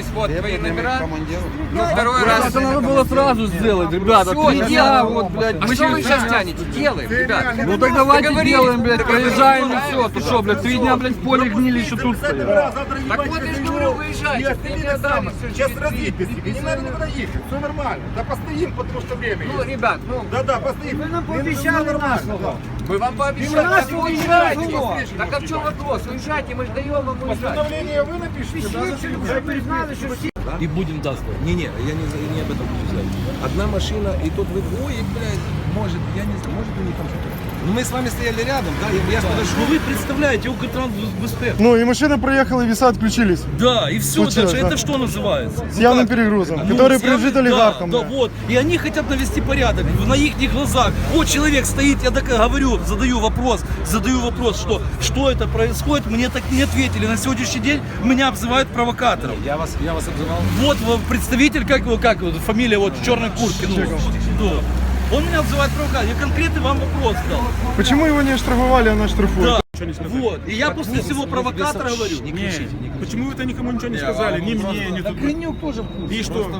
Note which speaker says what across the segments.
Speaker 1: появились вот твои номера. Ну, второй раз.
Speaker 2: Это надо было сразу сделать, ребята.
Speaker 1: Всё,
Speaker 2: 3 дня,
Speaker 1: делаем.
Speaker 2: вот, блядь.
Speaker 1: А что вы сейчас тянете? Делаем, ребят.
Speaker 2: Ну так давайте
Speaker 1: Договорились.
Speaker 2: делаем, блядь, проезжаем и все. Ты что, блядь, 3 дня, блядь, в поле гнили, еще тут стоят.
Speaker 1: Так вот я же говорю, выезжайте. Ты мне дам.
Speaker 3: Сейчас развитие, не надо никуда ехать, все нормально. Да постоим, потому что время
Speaker 1: Ну,
Speaker 3: есть.
Speaker 1: ребят, ну,
Speaker 3: Да, постоим. Вы нам пообещали нормально.
Speaker 1: мы вам пообещали. Так уезжайте. Так а в чем вопрос? Уезжайте, мы же даем вам уезжать.
Speaker 3: Постановление вы напишите, да?
Speaker 4: И будем даствовать. Не, я не об этом хочу сказать. Одна машина, и тут вы, ой, блядь, может, я не знаю, может у них там что-то. Ну мы с вами стояли рядом, да, я подошел.
Speaker 2: Ну вы представляете, Укртранс БСП.
Speaker 5: Ну и машина проехала, и веса отключились.
Speaker 2: Да, и все
Speaker 5: Случилось,
Speaker 2: дальше.
Speaker 5: да.
Speaker 2: Это что называется?
Speaker 5: С явным перегрузом,
Speaker 2: Ну,
Speaker 5: который
Speaker 2: с явным-
Speaker 5: принадлежит олигархам.
Speaker 2: Да, да, вот. И они хотят навести порядок на их глазах. Вот человек стоит, я так говорю, задаю вопрос, что это происходит, мне так не ответили. На сегодняшний день меня обзывают провокатором.
Speaker 4: Я вас обзывал.
Speaker 2: Вот представитель, как его, фамилия вот в черной куртке. Ну, что? Он меня обзывает провокатором. Я конкретный вам вопрос дал.
Speaker 5: Почему его не оштрафовали, а нас штрафуют?
Speaker 2: Да. Вот. И я после всего провокатора говорю.
Speaker 4: Не кричите, не кричите.
Speaker 3: Почему вы-то никому ничего не сказали? Ни мне, ни тут.
Speaker 4: Гринюк тоже в курсе.
Speaker 3: И что?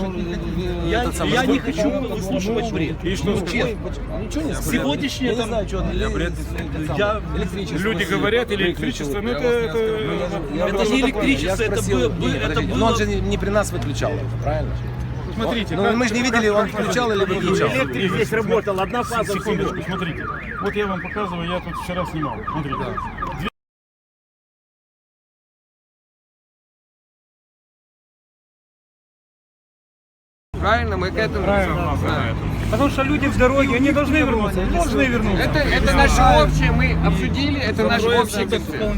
Speaker 2: Я не хочу выслушивать бред.
Speaker 3: И что?
Speaker 2: Честно.
Speaker 4: Ничего не сказали.
Speaker 2: Сегодняшнее там... Я...
Speaker 3: Люди говорят, или электричество, ну
Speaker 2: Это не электричество, это
Speaker 4: Но
Speaker 2: было...
Speaker 4: он же не при нас выключал, правильно?
Speaker 3: смотрите.
Speaker 4: Ну мы же не видели, он включал или выключал.
Speaker 3: Электрик здесь работал, одна фаза. Секундочку, смотрите. Вот я вам показываю, я тут вчера снимал. Смотрите.
Speaker 1: Правильно, мы к этому.
Speaker 3: Потому что люди в дороге, они должны вернуться. Должны вернуться.
Speaker 1: Это наше общее, мы обсудили, это наш общий концепт.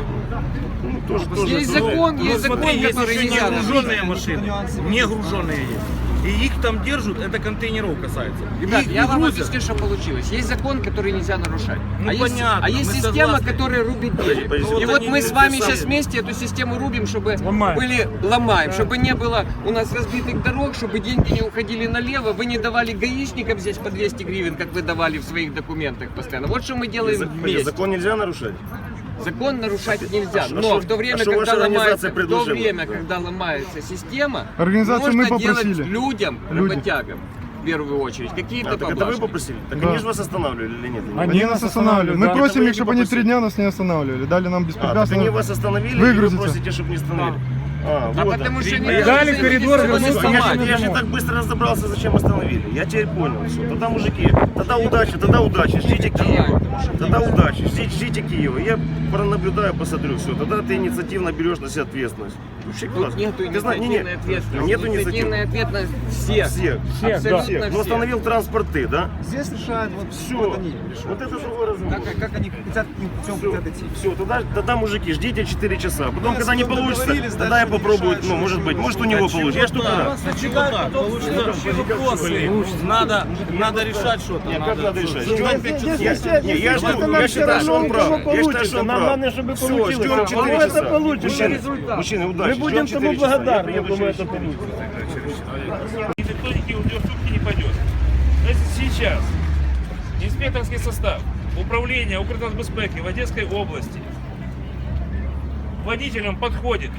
Speaker 1: Есть закон, который нельзя нарушить.
Speaker 6: груженные машины, не груженные есть. И их там держат, это контейнеров касается.
Speaker 1: Ребят,
Speaker 6: Их
Speaker 1: я
Speaker 6: не
Speaker 1: вам
Speaker 6: грузят.
Speaker 1: объясню, что получилось. Есть закон, который нельзя нарушать.
Speaker 6: Ну,
Speaker 1: Есть,
Speaker 6: понятно,
Speaker 1: есть
Speaker 6: мы
Speaker 1: система,
Speaker 6: согласны.
Speaker 1: которая рубит денег.
Speaker 6: подожди.
Speaker 1: И
Speaker 6: Вот
Speaker 1: вот
Speaker 6: они
Speaker 1: мы с вами
Speaker 6: написали.
Speaker 1: сейчас вместе эту систему рубим, чтобы
Speaker 3: Ломаем.
Speaker 1: ломаем, чтобы не было у нас разбитых дорог, чтобы деньги не уходили налево. Вы не давали гаишникам здесь по 200 гривен, как вы давали в своих документах постоянно. Вот что мы делаем вместе.
Speaker 7: Закон нельзя нарушать?
Speaker 1: Закон нарушать нельзя,
Speaker 7: А
Speaker 1: но
Speaker 7: что-
Speaker 1: в то время,
Speaker 7: а что
Speaker 1: когда
Speaker 7: ваша
Speaker 1: ломается,
Speaker 7: организация
Speaker 1: когда ломается система,
Speaker 5: Организацию
Speaker 1: нужно
Speaker 5: мы
Speaker 1: делать
Speaker 5: попросили.
Speaker 1: людям, работягам, в первую очередь, какие-то
Speaker 7: Так это вы
Speaker 1: поблажки.
Speaker 7: попросили? Так
Speaker 5: Да.
Speaker 7: они же вас останавливали или нет?
Speaker 5: Они нас останавливают. Мы
Speaker 3: да.
Speaker 5: просим
Speaker 7: Это вы
Speaker 5: их, чтобы
Speaker 7: не
Speaker 5: они 3 дня нас не останавливали. Дали нам
Speaker 7: Так
Speaker 5: беспрепятственно.
Speaker 7: они вас остановили, и вы
Speaker 5: Выгрузите.
Speaker 7: просите, чтобы не остановили.
Speaker 1: А
Speaker 7: вот
Speaker 1: потому что
Speaker 7: оно.
Speaker 1: не
Speaker 3: Дали коридор, вернулся,
Speaker 7: Я же так быстро разобрался, зачем остановили. Я теперь понял все. Тогда, мужики, тогда удачи, ждите Киева. Тогда удачи, ждите Киева. Я пронаблюдаю, посмотрю все. Тогда ты инициативно берешь на себя ответственность. Вообще
Speaker 1: Тут
Speaker 7: классно.
Speaker 1: нету
Speaker 7: Ты знаешь,
Speaker 1: инициативной ответственности.
Speaker 7: Нету
Speaker 1: Инициативная
Speaker 7: инициативы.
Speaker 1: ответственность всех.
Speaker 7: Всех.
Speaker 1: Абсолютно
Speaker 7: Всех. Ну,
Speaker 1: всех.
Speaker 7: остановил транспорт ты, да?
Speaker 5: Здесь решают вот
Speaker 7: Все. Вот это другой разговор.
Speaker 5: Как они хотят идти.
Speaker 7: Все, тогда, мужики, ждите 4 часа. Потом, когда не получится, тогда я попробую, ну, может быть, может у него получится. Я ж только рад.
Speaker 6: Надо решать что-то.
Speaker 7: Нет, как надо решать? Я считаю, что он прав. Я считаю, что он прав. Все, ждем 4 часа. Мужчины, удачи. Мы будем тому благодарны, думаю, это получится.
Speaker 3: И никто в сутки не пойдет. Значит, сейчас инспекторский состав управления Укртрансбезпеки в Одесской области водителям подходит,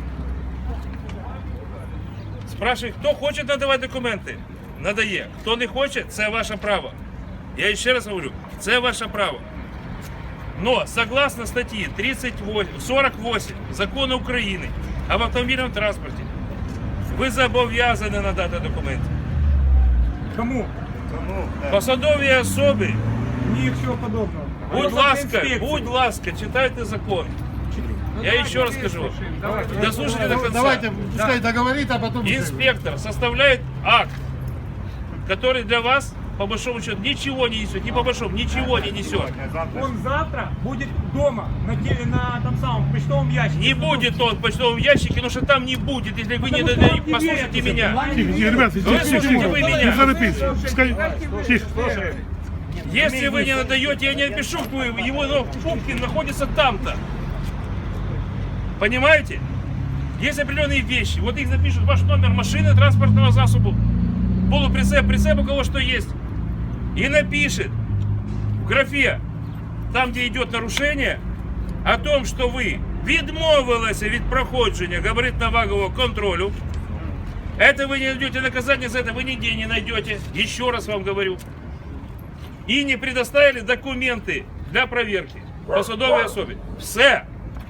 Speaker 3: спрашивает, кто хочет надавати документи, надає. Хто не хоче, це ваше право. Я ще раз говорю, це ваше право. Но согласно статьи 48 Закону України об автомобільному транспорті, ви зобов'язані надати документи.
Speaker 5: Кому?
Speaker 3: Посадові особи,
Speaker 5: Ничего подобного.
Speaker 3: будь ласка, читайте закон. Я еще раз скажу. Дослушайте до конца.
Speaker 5: Давайте, пускай договорит, а потом...
Speaker 3: Инспектор составляет акт, который для вас, по большому счету, ничего не несет. Не по большому, ничего не несет.
Speaker 8: Он завтра будет дома, на том самом почтовом ящике.
Speaker 3: Не будет он в почтовом ящике, потому что там не будет, если вы не послушаете меня.
Speaker 5: Ребят,
Speaker 3: Выслушайте вы меня.
Speaker 5: Тихо.
Speaker 3: Если вы не надаете, я не напишу, что его Пупкин находится там-то. Понимаете? Есть определенные вещи. Вот их запишут, ваш номер машины, транспортного засобу, прицеп, у кого что есть. И напишет в графе, там где идет нарушение, о том, что вы відмовилася від проходження габаритно-вагового контролю. Это вы не найдете наказание за это, вы нигде не найдете. Еще раз вам говорю. И не предоставили документы для проверки по судовой особе. Все.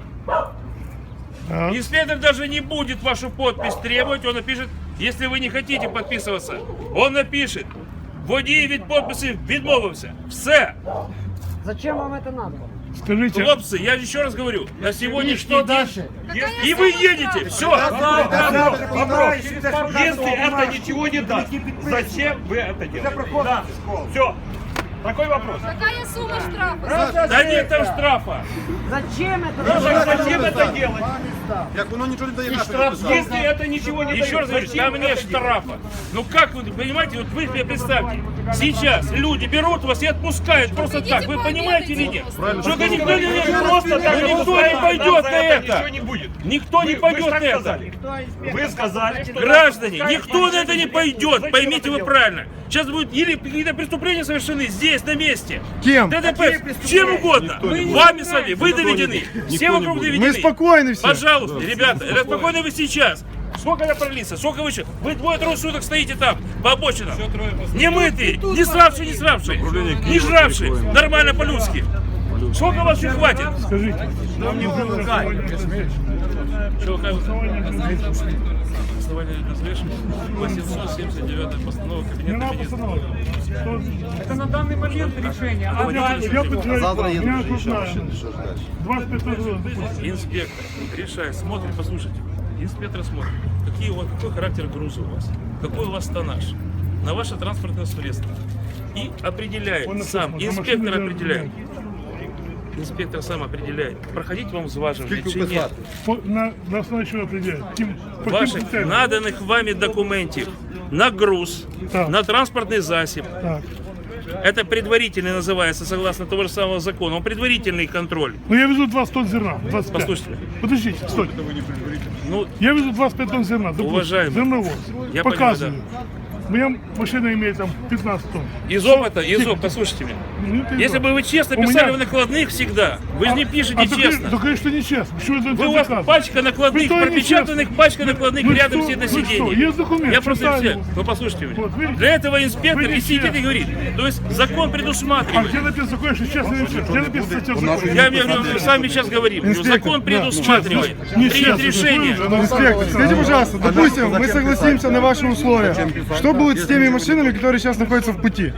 Speaker 3: Инспектор даже не будет вашу подпись требовать. Он напишет, если вы не хотите подписываться, он напишет. Водій від подписи відмовився. Все.
Speaker 9: Зачем вам это надо?
Speaker 5: Скажите,
Speaker 3: Хлопцы, я еще раз говорю, на сегодняшний день...
Speaker 5: дальше?
Speaker 3: И вы едете. Все.
Speaker 8: Вопрос. Если это ничего не даст, зачем вы это делаете? Да. Все. Такой вопрос.
Speaker 10: Какая сумма штрафа?
Speaker 3: Да нет там штрафа.
Speaker 9: Зачем это?
Speaker 8: Зачем это делать?
Speaker 4: Як воно нічого не дає
Speaker 8: Если это ничего не
Speaker 3: Еще раз говорю, там нет штрафа. Ну как вы понимаете, вот вы себе представьте, сейчас люди берут вас и отпускают просто так. Вы понимаете или нет? Что никто не просто так, никто не пойдет на это.
Speaker 8: не будет.
Speaker 3: Никто не пойдет на это.
Speaker 8: Вы сказали, что...
Speaker 3: Граждане, никто на это не пойдет, поймите вы правильно. Сейчас будет или какие-то преступления совершены здесь, на месте.
Speaker 5: Кем?
Speaker 3: ДТП, чем угодно. Вами сами, вы доведены. Все вокруг доведены.
Speaker 5: Мы спокойны все.
Speaker 3: Пожалуйста, ребята, спокойно вы сейчас. Сколько я пролился? Сколько вы еще? Вы двое-трое суток стоите там, по обочинам. Не мытые, не сравшие, не жравшие. Нормально по-людски. Сколько вас еще хватит?
Speaker 5: Скажите.
Speaker 3: Что вы Основание развешивания 879 постанова Кабинета Министров.
Speaker 8: Это на данный момент решение. А дальше?
Speaker 5: Я подтверждаю. Я крупная. 25
Speaker 3: Инспектор решает, смотрит, послушайте. Инспектор смотрит, какой характер груза у вас, какой у вас тоннаж на ваше транспортное средство. И определяет сам, инспектор определяет. Инспектор сам определяет, проходить вам взваживание или нет.
Speaker 5: На основе чего определяет?
Speaker 3: Ваших наданных вами документов на груз,
Speaker 5: Так.
Speaker 3: на транспортный засіб.
Speaker 5: Так.
Speaker 3: Это предварительный называется, согласно того же самого закона. Он предварительный контроль.
Speaker 5: Ну я везу 20 тонн зерна. 25.
Speaker 3: Послушайте.
Speaker 5: Подождите, стой.
Speaker 3: Ну,
Speaker 5: Я везу 25 тонн зерна. Допустим,
Speaker 3: Уважаемый,
Speaker 5: зерновоз.
Speaker 3: я
Speaker 5: Показываю.
Speaker 3: понимаю,
Speaker 5: Моя машина имеет там 15 тонн.
Speaker 3: из опыта, послушайте меня.
Speaker 5: Ну, ты
Speaker 3: Если
Speaker 5: что?
Speaker 3: бы вы честно
Speaker 5: У
Speaker 3: писали
Speaker 5: меня-
Speaker 3: в накладных всегда, вы же не пишете честно.
Speaker 5: Да, конечно, нечестно. Почему это
Speaker 3: Вы у вас
Speaker 5: доказано?
Speaker 3: пачка накладных,
Speaker 5: Что
Speaker 3: пропечатанных
Speaker 5: нечестно?
Speaker 3: пачка накладных
Speaker 5: Ну
Speaker 3: рядом
Speaker 5: что,
Speaker 3: все на
Speaker 5: ну что,
Speaker 3: сиденье.
Speaker 5: есть документ,
Speaker 3: Я просто
Speaker 5: читаю
Speaker 3: все.
Speaker 5: его.
Speaker 3: Вы послушайте меня.
Speaker 5: Вот, видите?
Speaker 3: Для этого инспектор
Speaker 5: Вы
Speaker 3: и сидит
Speaker 5: нечестны.
Speaker 3: и говорит. То есть закон
Speaker 5: А
Speaker 3: предусматривает.
Speaker 5: где написано такое, что честно или нечестно? Где написано статья в законе?
Speaker 3: Я с вами сейчас говорим.
Speaker 5: Инспектор,
Speaker 3: Закон
Speaker 5: да,
Speaker 3: предусматривает.
Speaker 5: Нечестно.
Speaker 3: Принять решение.
Speaker 5: Инспектор, скажите, пожалуйста, допустим, мы согласимся на ваши условия. Что будет с теми машинами, которые сейчас находятся в пути?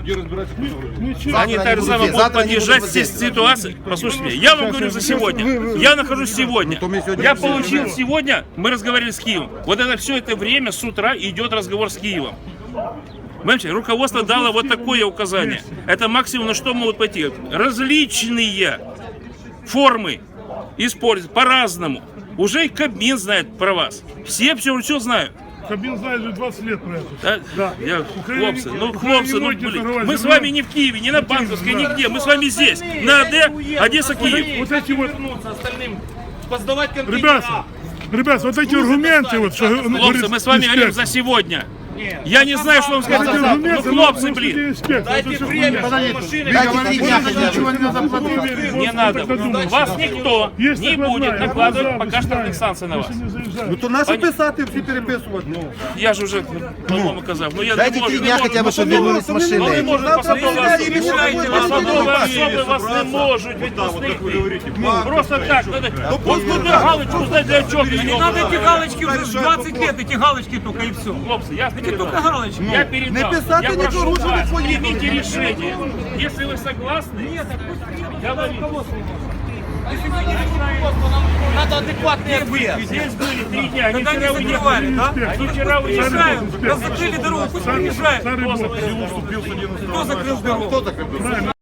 Speaker 3: Они так же самое будут подъезжать здесь ситуации. Послушайте меня, я вам говорю за сегодня. Я нахожусь сегодня. Я получил сегодня, мы разговаривали с Киевом. Вот это все это время с утра идет разговор с Киевом. Понимаете, руководство дало вот такое указание. Это максимум, на что могут пойти. Различные формы используют по-разному. Уже и Кабмин знает про вас. Все знают.
Speaker 5: Кабмин знает уже 20 лет про это.
Speaker 3: Да?
Speaker 5: Да.
Speaker 3: Хлопцы, ну
Speaker 5: Украина не
Speaker 3: блин,
Speaker 5: торговать
Speaker 3: мы с
Speaker 5: зерном.
Speaker 3: вами не в Киеве, не на Банковской, нигде, мы с вами здесь, на АД, Одесса-Киев.
Speaker 5: Вот эти вот,
Speaker 6: Поздавать контейнера.
Speaker 5: ребята, вот эти аргументы, вот, что
Speaker 3: Хлопцы,
Speaker 5: говорит
Speaker 3: мы с вами говорим
Speaker 5: инспектор.
Speaker 3: за сегодня. Я не знаю, что вам сказать.
Speaker 5: Эти
Speaker 3: Ну,
Speaker 5: аргументы,
Speaker 3: хлопцы,
Speaker 5: ну,
Speaker 3: блин,
Speaker 5: инспектор,
Speaker 6: Дайте
Speaker 5: это всё
Speaker 6: время,
Speaker 5: хуйня.
Speaker 6: чтобы машины...
Speaker 5: Ничего не надо платить.
Speaker 3: не надо. Вас никто
Speaker 5: Есть
Speaker 3: не
Speaker 5: накладная,
Speaker 3: будет
Speaker 5: я
Speaker 3: накладывать
Speaker 5: глаза
Speaker 3: пока штрафных
Speaker 5: вычитаю.
Speaker 3: санкций на вас.
Speaker 5: Если не заезжаю.
Speaker 6: То нащо писати, всі переписувати?
Speaker 3: Я же уже, по-моему, казав. Ну, я
Speaker 11: Дайте
Speaker 3: не можу.
Speaker 11: 3 дня хотя бы, чтобы вернулись
Speaker 3: Ну, не
Speaker 11: машины.
Speaker 3: можуть посадові особи. Посадові особи вас не можуть відпустити. Просто так. Ось туди галочку здати для чого.
Speaker 8: Не надо эти галочки уже 20 лет, эти галочки только и все.
Speaker 3: Хлопцы, я
Speaker 8: Эти только галочки.
Speaker 3: Я передал.
Speaker 6: Не писати
Speaker 3: Я прошу
Speaker 6: нічого,
Speaker 3: вас,
Speaker 6: що ви
Speaker 3: примите решение. Если вы согласны, говорите.
Speaker 6: Надо адекватний ответ.
Speaker 3: Здесь были 3 дня, они
Speaker 8: Когда не
Speaker 3: вчера
Speaker 8: закрывали,
Speaker 3: уехали.
Speaker 8: да?
Speaker 3: Они вчера уехали.
Speaker 8: Уезжаем, раз закрыли дорогу, пусть приезжают.
Speaker 5: Старый бог.
Speaker 8: Кто закрыл дорогу?